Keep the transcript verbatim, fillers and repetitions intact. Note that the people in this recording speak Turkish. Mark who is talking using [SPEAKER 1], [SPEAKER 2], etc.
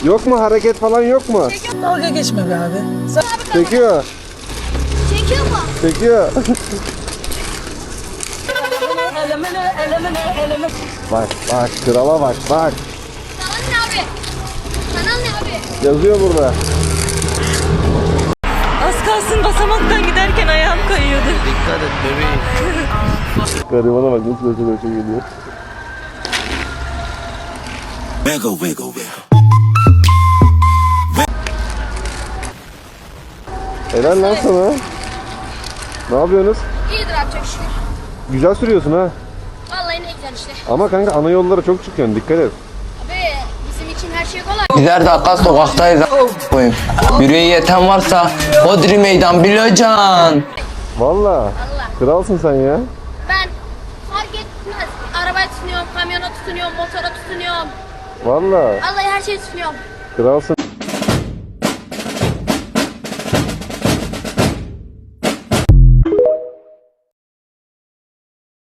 [SPEAKER 1] Yok mu hareket falan yok mu?
[SPEAKER 2] Dalga geçme be abi. Sen...
[SPEAKER 1] Çekiyor.
[SPEAKER 3] Çekiyor mu?
[SPEAKER 1] Çekiyor. Bak bak krala bak bak.
[SPEAKER 3] Kanal ne abi? Kanal ne abi?
[SPEAKER 1] Yazıyor burada.
[SPEAKER 4] Az kalsın basamaktan giderken ayağım kayıyordu.
[SPEAKER 5] Dikkat et bebeğim.
[SPEAKER 1] Garibana bak nasıl böyle böyle geliyor.
[SPEAKER 5] Wiggle wiggle wiggle.
[SPEAKER 1] Helal lan sana. Ne yapıyorsunuz?
[SPEAKER 3] İyidir abi çok şükür.
[SPEAKER 1] Güzel sürüyorsun ha.
[SPEAKER 3] Vallahi ne güzel işte.
[SPEAKER 1] Ama kanka ana yollara çok çıkıyorsun, dikkat et.
[SPEAKER 3] Abi bizim için her şey kolay.
[SPEAKER 6] Birer dakika sokaktayız a**ayım. Yüreği yeten varsa Hodri meydan bileceksin.
[SPEAKER 1] Valla.
[SPEAKER 3] Allah.
[SPEAKER 1] Kralsın sen ya.
[SPEAKER 3] Ben fark etmez. Arabaya tutunuyorum, kamyona tutunuyorum, motora tutunuyorum.
[SPEAKER 1] Valla.
[SPEAKER 3] Vallahi her şeye tutunuyorum.
[SPEAKER 1] Kralsın.